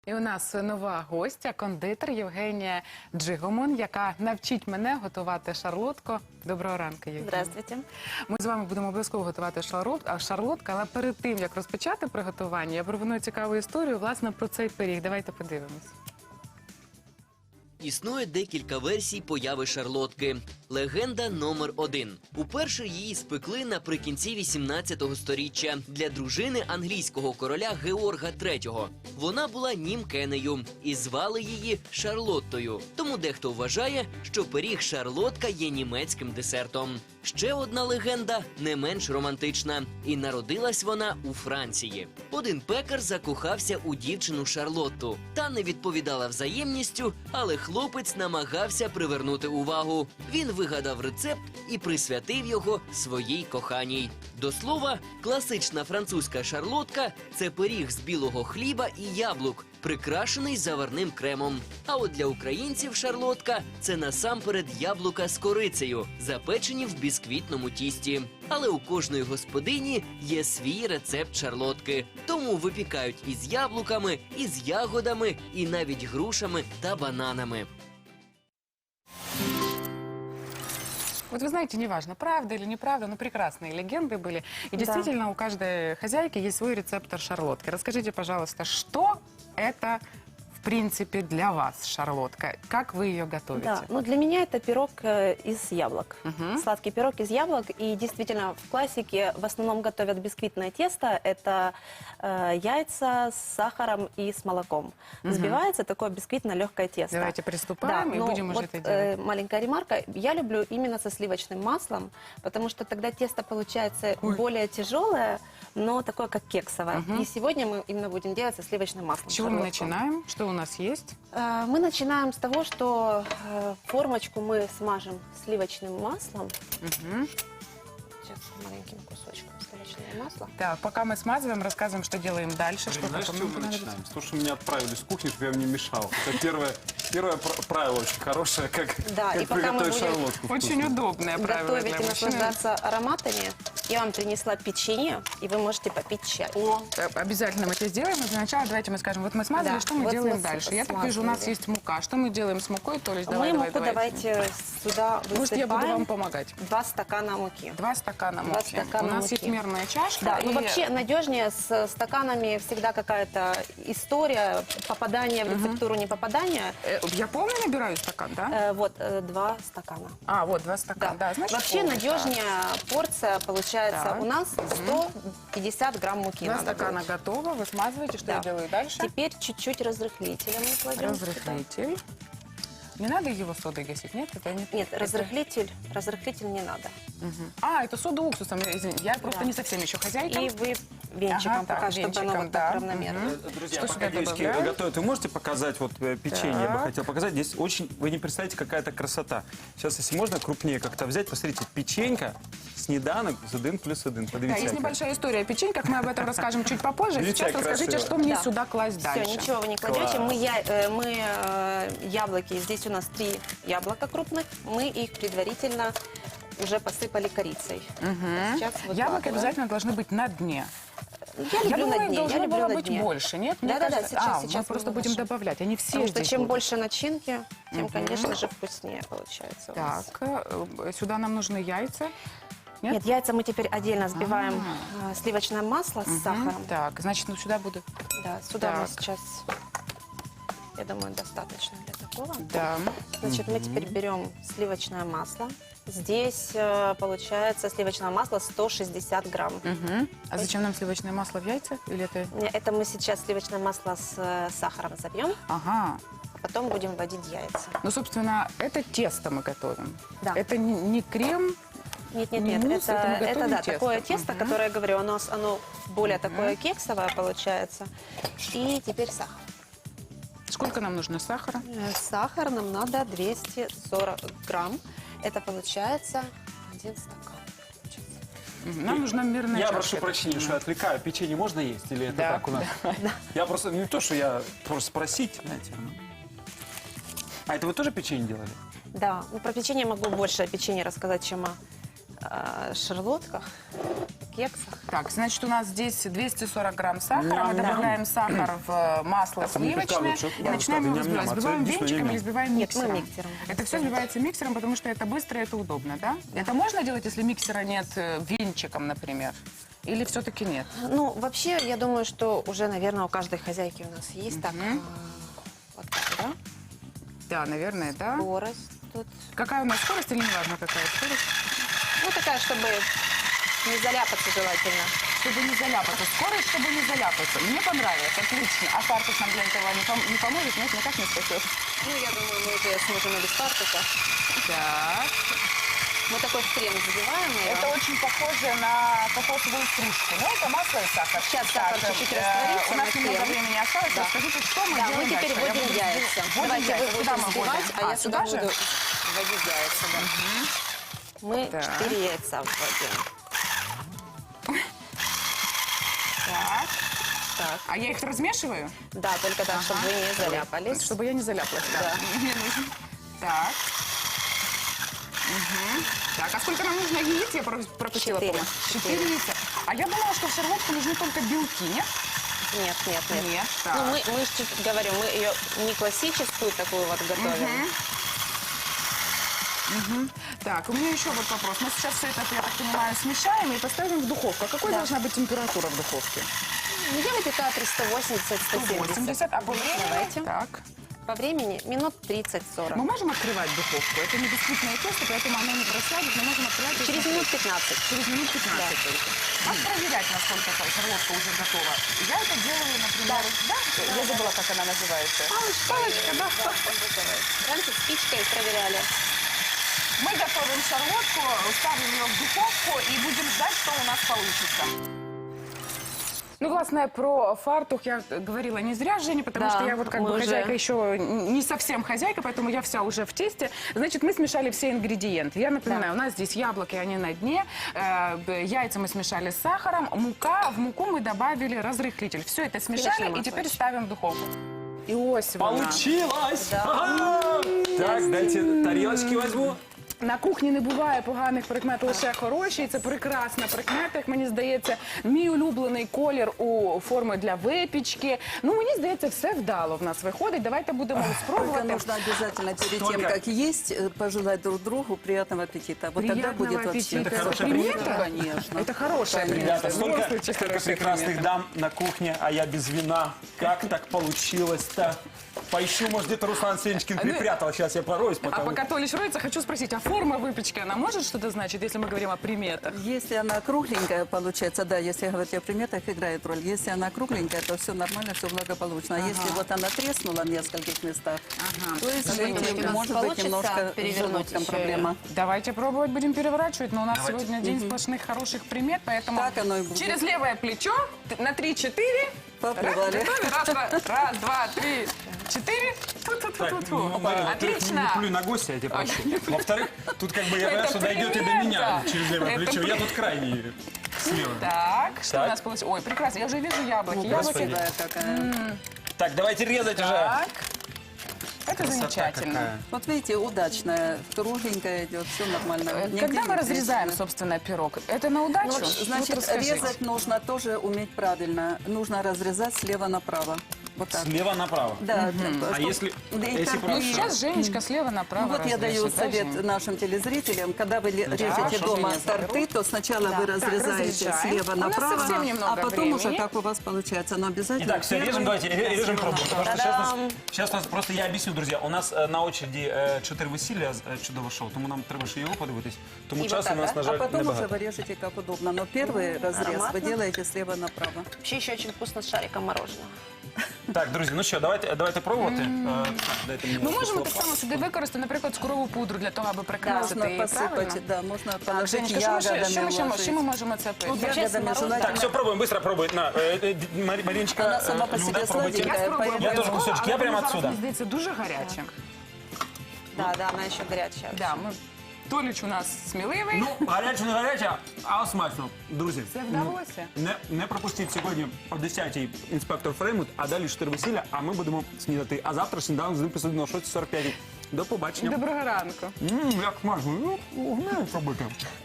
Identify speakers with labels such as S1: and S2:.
S1: І у нас нова гостя, кондитер Євгенія Джигомон, яка навчить мене готувати шарлотку. Доброго ранку, Євгенія.
S2: Здравствуйте.
S1: Ми з вами будемо обов'язково готувати шарлотку, але перед тим, як розпочати приготування, я пропоную цікаву історію, власне, про цей пиріг. Давайте подивимось.
S3: Існує декілька версій появи шарлотки. Легенда номер 1. Уперше її спекли наприкінці 18-го сторіччя для дружини англійського короля Георга III. Вона була німкенею і звали її Шарлоттою. Тому дехто вважає, що пиріг шарлотка є німецьким десертом. Ще одна легенда не менш романтична. І народилась вона у Франції. Один пекар закохався у дівчину Шарлотту. Та не відповідала взаємністю, але хлопець намагався привернути увагу. Він вигадав рецепт і присвятив його своїй коханій. До слова, класична французька шарлотка – це пиріг з білого хліба і яблук, прикрашений заварним кремом. А от для українців шарлотка – це насамперед яблука з корицею, запечені в бісквітному тісті. Але у кожної господині є свій рецепт шарлотки. Тому випікають із яблуками, із ягодами і навіть грушами та бананами.
S1: Вот вы знаете, неважно, правда или неправда, но прекрасные легенды были. И действительно, у каждой хозяйки есть свой рецептор шарлотки. Расскажите, пожалуйста, что это, в принципе, для вас шарлотка? Как вы ее готовите?
S2: Да, ну для меня это пирог из яблок. Сладкий пирог из яблок. И действительно, в классике в основном готовят бисквитное тесто. Это яйца с сахаром и с молоком. Взбивается такое бисквитно-легкое тесто.
S1: Давайте приступаем и будем уже это делать.
S2: Маленькая ремарка. Я люблю именно со сливочным маслом, потому что тогда тесто получается более тяжелое, но такое, как кексовое. И сегодня мы именно будем делать со сливочным маслом.
S1: С чего мы начинаем? Что у нас есть?
S2: Мы начинаем с того, что формочку мы смажем сливочным маслом. Сейчас маленьким кусочком сливочного масла.
S1: Так, пока мы смазываем, рассказываем, что делаем дальше. Что
S4: Знаешь, с
S1: потом
S4: чего мы
S1: понадобится.
S4: начинаем? С того, что меня отправили с кухни, чтобы я вам не мешал. Это первое правило очень хорошее, как,
S2: Да, и
S4: как
S2: пока мы
S4: приготовить
S2: будем
S4: шарлотку.
S1: Очень
S4: вкусную.
S1: удобное правило
S2: Готовить
S1: для
S2: и
S1: мужчин.
S2: наслаждаться ароматами. Я вам принесла печенье, и вы можете попить чай.
S1: Обязательно мы это сделаем. Но для начала давайте мы скажем, вот мы смазали,
S2: Да,
S1: что мы
S2: вот
S1: делаем
S2: мы
S1: дальше? Я так вижу, у нас
S2: смазали.
S1: есть мука. Что мы делаем с мукой? То есть, давай,
S2: Мы
S1: давай,
S2: муку давайте сюда
S1: Может, я буду вам
S2: высыпаем.
S1: помогать?
S2: 2 стакана муки.
S1: 2 стакана муки.
S2: стакана
S1: У нас
S2: муки.
S1: есть мерная чашка.
S2: Да,
S1: и...
S2: ну вообще надежнее с стаканами всегда какая-то история, попадание в рецептуру, не попадание.
S1: Я полный набираю стакан, да?
S2: Вот 2 стакана.
S1: А, вот 2 стакана. Да, значит,
S2: Вообще
S1: полный,
S2: надежнее порция получается
S1: Так.
S2: у нас 150 грамм муки.
S1: 2
S2: надо
S1: стакана
S2: будет.
S1: готово. Вы смазываете. Что
S2: Да.
S1: я делаю дальше?
S2: Теперь чуть-чуть разрыхлителя мы кладем.
S1: Разрыхлитель. Не надо его содой гасить, нет? Это не...
S2: Нет,
S1: это-
S2: разрыхлитель не надо.
S1: Мгм. А, это сода уксусом, извините. Я просто
S2: Да.
S1: не совсем еще хозяйка.
S2: И вы венчиком
S1: Ага, так,
S2: пока, чтобы оно
S1: венчиком,
S2: вот
S1: да.
S2: так равномерно.
S4: Друзья,
S1: Что сюда
S4: пока девочки
S1: добавляем?
S4: готовят, вы можете показать вот печенье? Я бы
S1: Так.
S4: хотел показать. Здесь очень, вы не представляете, какая-то красота. Сейчас, если можно, крупнее как-то взять. Посмотрите, печенька, снеданок, з 1+1.
S1: Да,
S4: Подивіться.
S1: есть
S4: яка.
S1: небольшая история о печеньках, мы об этом расскажем чуть попозже.
S4: Видите,
S1: Сейчас
S4: как
S1: расскажите,
S4: красиво.
S1: что мне
S2: Да.
S1: сюда класть дальше.
S2: Все, ничего вы не кладете.
S4: Класс.
S2: Мы яблоки, здесь у нас 3 яблока крупных, мы их предварительно уже посыпали корицей. Сейчас
S1: Яблоки
S2: выкладываем.
S1: обязательно должны быть на дне.
S2: Я люблю
S1: думаю,
S2: на дне,
S1: должно
S2: я люблю
S1: было
S2: на
S1: быть
S2: дне.
S1: больше, нет? Мне
S2: Да-да-да,
S1: кажется-
S2: сейчас
S1: мы
S2: мы
S1: просто будем
S2: выложим.
S1: добавлять. Они все
S2: Потому что
S1: здесь
S2: чем
S1: будут.
S2: больше начинки, тем, конечно же, вкуснее получается у нас.
S1: Так, сюда нам нужны яйца. Нет?
S2: Нет, яйца мы теперь отдельно взбиваем сливочное масло с
S1: Мгм.
S2: сахаром.
S1: Так, значит, ну сюда буду.
S2: Да, сюда мы
S1: Так.
S2: сейчас, я думаю, достаточно для такого.
S1: Да.
S2: Значит, мы теперь берем сливочное масло. Здесь получается сливочное масло 160 грамм.
S1: Мгм. А зачем нам сливочное масло в яйца? Или это...
S2: Это мы сейчас сливочное масло с сахаром забьем,
S1: Ага.
S2: а потом будем вводить яйца.
S1: Ну, собственно, это тесто мы готовим.
S2: Да.
S1: Это не крем.
S2: Нет,
S1: Не мусс, это мы готовим
S2: да,
S1: тесто.
S2: такое тесто, которое, я говорю, оно более такое кексовое получается. И теперь сахар.
S1: Сколько нам нужно сахара?
S2: Сахар нам надо 240 грамм. Это получается 1 стакан.
S1: Нам нужна мерная
S4: Я
S1: чашка.
S4: прошу прощения, что я отвлекаю. Печенье можно есть или это
S1: Да,
S4: так у нас? Я просто, не то, что я просто спросить, знаете. А это вы тоже печенье делали?
S2: Да, ну, про печенье могу больше о печенье рассказать, чем о шарлотках, кексах.
S1: Так, значит, у нас здесь 240 грамм сахара. Мы добавляем сахар в масло сливочное и начинаем его взбивать. Взбиваем венчиком или взбиваем
S2: Нет, мы
S1: миксером?
S2: миксером.
S1: Это все взбивается миксером, потому что это быстро, это удобно, да? Это можно делать, если миксера нет венчиком, например? Или все-таки нет?
S2: Ну, вообще, я думаю, что уже, наверное, у каждой хозяйки у нас есть так. Вот так, да?
S1: Да, наверное, да.
S2: Скорость тут.
S1: Какая у нас скорость или не важно какая скорость?
S2: Ну, такая, чтобы не заляпаться желательно.
S1: Чтобы не заляпаться. Скорость, чтобы не заляпаться. Мне понравилось, отлично. А фартук нам для этого не поможет, нет, никак не спасет.
S2: Ну, я думаю, мы уже сможем и без фартука.
S1: Так.
S2: Мы такой крем забиваем ее.
S1: Это очень похоже на кокосовую стружку. Но это масло и сахар.
S2: Сейчас сахар
S1: Так,
S2: чуть-чуть растворится,
S1: у нас
S2: мы
S1: немного
S2: крем.
S1: времени осталось.
S2: Да.
S1: Расскажите, что мы
S2: Да, мы
S1: делаем
S2: теперь
S1: дальше? Я
S2: вводим
S1: буду
S2: яйца.
S1: вводим
S2: Давайте
S1: яйца.
S2: вы
S1: Куда
S2: будете
S1: мы
S2: взбивать,
S1: вводим?
S2: а я
S1: сюда
S2: сюда
S1: же?
S2: буду вводить яйца. Да. Мы
S1: Так.
S2: 4 яйца вводим.
S1: Так.
S2: Так.
S1: А я их размешиваю?
S2: Да, только так, чтобы вы не заляпались.
S1: Чтобы я не заляпалась.
S2: Да.
S1: Так. Так, а сколько нам нужно яиц? Я пропустила.
S2: 4.
S1: по-моему. 4 яйца. А я думала, что в шарлотку нужны только белки, нет?
S2: Нет, нет, нет.
S1: Нет. Так.
S2: Ну, мы же говорю, мы ее не классическую такую вот готовим.
S1: Так, у меня еще вот вопрос. Мы сейчас все это, я так понимаю, смешаем и поставим в духовку. А какой должна быть температура в духовке?
S2: Ну, где-то 380-170.
S1: 80, а по времени?
S2: Давайте.
S1: Так.
S2: По времени минут 30-40.
S1: Мы можем открывать духовку? Это не бисквитное тесто, поэтому оно не просядет. Мы можем открывать и
S2: Через
S1: смотреть.
S2: минут 15.
S1: Через минут 15 только. Как проверять, насколько шарлотка уже готова? Я это делаю, например... Да? Я забыла, как она называется. Палочка, да.
S2: Раньше спичкой проверяли.
S1: Мы готовим шарлотку, ставим ее в духовку и будем ждать, что у нас получится. Ну, власне, про фартух я говорила не зря, Женя, потому
S2: Да,
S1: что я вот как
S2: мы
S1: бы
S2: уже-
S1: хозяйка еще не совсем хозяйка, поэтому я вся уже в тесте. Значит, мы смешали все ингредиенты. Я напоминаю, у нас здесь яблоки, они на дне, яйца мы смешали с сахаром, мука, в муку мы добавили разрыхлитель. Все это смешали
S2: Сливочное
S1: и теперь
S2: масло.
S1: ставим в духовку. Иосифовна.
S4: Получилось! Так, дайте тарелочки возьму.
S1: На кухні не буває поганих прикмет, лише хороші. І це прекрасна прикмета, як мені здається. Мій улюблений колір у форми для випічки. Ну, мені здається, все вдало в нас виходить. Давайте будемо
S5: Только
S1: спробувати.
S5: нужно обязательно перед
S4: Столько.
S5: тем, как есть, пожелать друг другу приятного аппетита. Вот тогда
S1: Приятного
S5: будет вообще.
S1: аппетита.
S4: Это хорошая примета?
S5: Конечно.
S1: Это хорошая
S4: Ребята,
S1: примета. В любом
S4: столько
S1: случае, хорошая
S4: прекрасных
S1: примета.
S4: дам на кухне, а я без вина. Как так получилось-то? Поищу, может, где-то Руслан Сенечкин припрятал. Сейчас я пороюсь,
S1: А
S4: пока вы...
S1: пока Толич роется, хочу спросить, а форма выпечки, она может что-то значить, если мы говорим о приметах?
S5: Если она кругленькая получается, да, если говорить о приметах, играет роль. Если она кругленькая, то все нормально, все благополучно. А если вот она треснула в нескольких местах, то извините,
S2: у нас
S5: может быть
S2: получится
S5: немножко с
S2: перевернуть
S5: желудком
S2: еще
S5: проблема.
S1: Давайте пробовать, будем переворачивать, но у нас сегодня день сплошных хороших примет, поэтому
S5: Так оно и будет.
S1: через левое плечо на 3-4.
S5: Поплывали.
S1: Раз, два, три, 4.
S4: Во-первых, не
S1: Отлично.
S4: плюй на гостя, я тебя прошу. Во-вторых, тут как бы я понимаю,
S1: Это
S4: что дойдет и до
S1: примета.
S4: меня через левое
S1: Это
S4: плечо. Я
S1: при-
S4: тут крайний слева.
S1: Так, что
S4: Так.
S1: у нас получилось? Ой, прекрасно, я уже вижу яблоки.
S4: Господи.
S1: Яблоки.
S5: Да, какая.
S4: Так, давайте резать уже.
S1: Так. Это
S4: Красота
S1: замечательно.
S4: какая.
S5: Вот видите, удачная, кругленькая идет, все нормально. Нигде
S1: Когда
S5: не
S1: мы разрезаем,
S5: трещины.
S1: собственно, пирог, это на удачу?
S5: Ну,
S1: Вот
S5: значит,
S1: расскажите.
S5: резать нужно тоже уметь правильно. Нужно разрезать слева направо. Вот так.
S4: Слева направо.
S5: Да,
S4: А если
S5: и так
S1: Ну,
S5: и-
S1: сейчас Женечка слева направо
S5: Ну, вот я даю
S1: разрежет, да,
S5: совет
S1: Жень?
S5: нашим телезрителям. Когда вы режете
S1: хорошо,
S5: дома
S1: Женя, заберу.
S5: торты, то сначала вы разрезаете
S1: разрезаем.
S5: слева
S1: У нас
S5: направо,
S1: совсем немного
S5: а потом уже
S1: времени.
S5: как у вас получается. Но обязательно
S4: Итак, все,
S5: первый
S4: режем, давайте, режем
S5: слева
S4: пробуем. Потому что
S5: направо.
S4: сейчас у нас, просто я объясню, друзі, у нас на очереді 4 весілля чудове шоу, тому нам треба ще його подивитись. Тому
S2: І
S4: часу
S2: отак,
S4: у нас,
S2: да?
S4: на
S5: А
S4: жаль,
S5: потом уже
S4: небагато.
S5: вы режете как удобно. Но первый разрез вы
S2: Ароматно.
S5: делаете слева направо.
S2: Вообще еще очень вкусно с шариком мороженого.
S4: Так, друзі, ну що, давайте пробувати. Так, дайте мені
S1: Ми можемо так
S4: лопатку.
S1: само сюди використати, наприклад, цукрову пудру для того, аби прикрасити
S5: Можно
S1: її,
S5: посыпать,
S1: правильно?
S5: да, можно
S1: Так,
S5: положить
S1: Женечка, що ми
S5: ягодами,
S1: ще ми
S5: уложить.
S1: можемо це пити?
S5: Ягодами желательно.
S4: Так, все, пробуем, быстро пробуй. На, Мариночка,
S5: Она сама по
S4: Люда,
S5: себе
S4: пробуйте.
S1: Я
S5: сладенькая.
S1: спробую
S4: Я тоже
S1: обов'язково,
S4: кусочек,
S1: але
S4: я прямо
S1: воно зараз,
S4: отсюда.
S1: мені здається, дуже гаряче.
S2: Да, да, она еще горячая.
S1: Да, ми... Толіч у нас сміливий.
S4: Ну, гаряче, не гаряче, а смачно. Друзі,
S1: Це вдалося.
S4: не пропустіть сьогодні о 10-й інспектор Фреймут, а далі 4 весілля, а ми будемо снідати. А завтра сніданок з 1+1 о 6:45. До побачення.
S1: Доброго ранку.
S4: Як смачно. Ну, пробуйте.